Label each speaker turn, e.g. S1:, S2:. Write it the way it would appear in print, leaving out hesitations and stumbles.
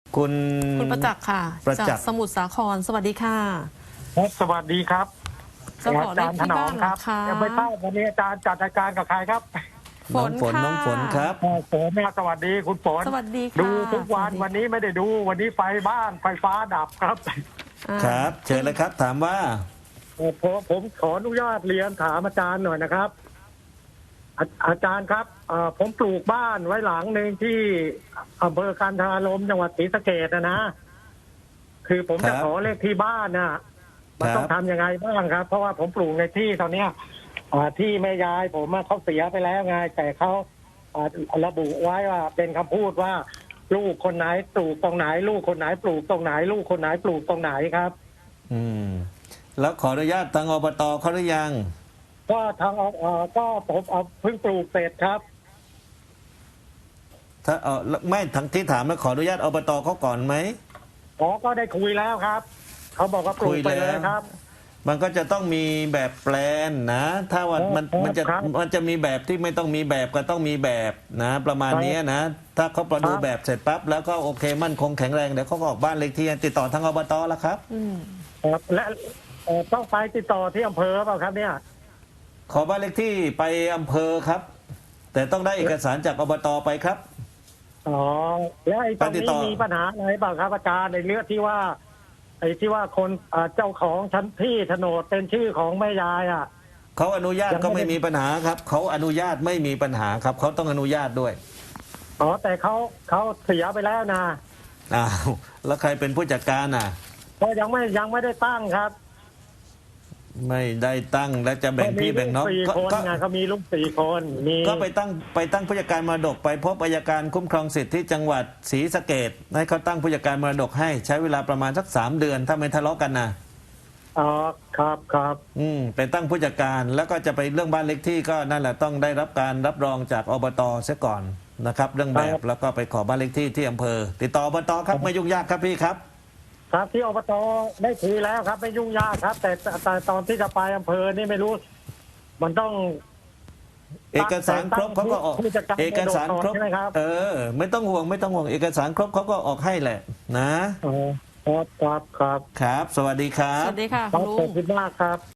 S1: คุณ
S2: คุณประจักษ์ค่ะ
S1: ประจั
S2: จาก
S1: ษ์
S2: สมุทรสาครสวัสดีค่ะ
S3: ครับสวัสดีครับ
S2: จะขอเลขที่บ้านเหรอคะ
S3: ยังไม่ทราบวันนี้อาจารย์จัดรายการกับใครครับ
S2: ฝ
S1: น้อง
S2: น
S1: ฝน
S2: ค่ะ
S1: น้องฝนครับ
S3: ฝนนะสวัสดีคุณฝน
S2: สวัสดีค่ะ
S3: ดูทุกวัน
S2: สวัสดี
S3: วันนี้ไม่ได้ดูวันนี้ไฟบ้านไฟฟ้าดับครับ
S2: อ่า
S1: ครับ เชิญเลยครับถามว่า
S3: ผมขออนุญาตเรียนถามอาจารย์หน่อยนะครับ อาจารย์ครับผมปลูกบ้านไว้หลังหนึ่งที่อำเภอกันทรารมจังหวัดศรีสะเกษนะ คือผมจะ
S1: ครับ
S3: ขอเลขที่บ้านนะมัน
S1: ครับ
S3: ต้องทำยังไงบ้างครับ เพราะว่าผมปลูกในที่ตอนเนี้ยที่แม่ยายผมเขาเสียไปแล้วไงแต่เขาระบุไว้ว่าเป็นคำพูดว่า ลูกคนไหนปลูกตรงไหน ลูกคนไหนปลูกตรงไหน ลูกคนไหนปลูกตรงไหนครับ
S1: อืมแล้วขออนุญาตทางอบตเขาหรือยัง
S3: ก็ทางก็ผมเพิ่งปลูกเสร็จครับ
S1: ถ้าไม่ทั้งที่ถามแล้วขออนุญาตอบตเขาก่อนไหม
S3: ก็ได้คุยแล้วครับเขาบอกว่าปลูกไปเลยครับ
S1: มันก็จะต้องมีแบบแปลนนะ ถ้าว่ามันจะมีแบบที่ไม่ต้องมีแบบก็ต้องมีแบบนะ ประมาณนี้นะ ถ้าเขาประดูแบบเสร็จปั๊บแล้วก็โอเคมั่นคงแข็งแรงเดี๋ยวเขาก็ออกบ้านเลขที่ติดต่อทางอบตแล้วครับ
S2: อืม
S3: ครับและต้องไปติดต่อที่อำเภอเปล่าครับเนี่ย
S1: ขอบ้านเลขที่ไปอำเภอครับ แต่ต้องได้เอกสารจากอบตไปครับ
S3: อ๋อแล้วไอ้ตรง
S1: ไปติดต่
S3: นี้
S1: อ
S3: มีปัญหาอะไรเปล่าครับอาจารย์ในเรื่องที่ว่า ไอ้ที่ว่าคนเจ้าของชั้นที่โฉนดเป็นชื่อของแม่ยายอ่ะ
S1: เขาอนุญาต
S3: ยังไม่
S1: ก็ไม่มีปัญหาครับเขาอนุญาตไม่มีปัญหาครับเขาต้องอนุญาตด้วย
S3: อ๋อแต่เขาเสียไปแล้วนะ
S1: อ้าวแล้วใครเป็นผู้จัดการอ่ะ
S3: ก็ยังไม่ได้ตั้งครับ
S1: ไม่ได้ตั้งแล้วจะแบ่งพี่แบ่งน้อง
S3: สี่
S1: ก็
S3: คน
S1: ก็
S3: ไงเขามีลูก4 คนมี
S1: ก็ไปตั้งผู้จัดการมรดกไปพบอัยการคุ้มครองสิทธิ์ที่จังหวัดศรีสะเกษให้เขาตั้งผู้จัดการมรดกให้ใช้เวลาประมาณสัก3 เดือน ถ้าไม่ทะเลาะกันนะ
S3: อ๋อครับครับ
S1: ไปตั้งผู้จัดการแล้วก็จะไปเรื่องบ้านเล็กที่ก็นั่นแหละต้องได้รับการรับรองจากอบตเสียก่อนนะครับ เรื่องแบบแล้วก็ไปขอบ้านเล็กที่ที่อำเภอ ติดต่ออบตครับไม่ยุ่งยากครับพี่ครับ
S3: ครับที่อบตได้คุยแล้วครับไม่ยุ่งยากครับ แต่ตอนที่จะไปอำเภอนี่ไม่รู้ มันต้อง
S1: เอกสารครบเขาก็ออก
S3: ผู้จัดการ
S1: เอกสารครบ
S3: ใช่ไหมครับ
S1: ไม่ต้องห่วงเอกสารครบเขาก็ออกให้แหละนะ
S3: อ๋อครับ
S1: ครับ สวัสดีครั
S2: ส
S1: บ
S2: วัสดีค่ะ
S3: ค
S2: คุ
S3: รับ
S2: ณลุ
S3: ขอบ
S2: ง
S3: คุณมากครับ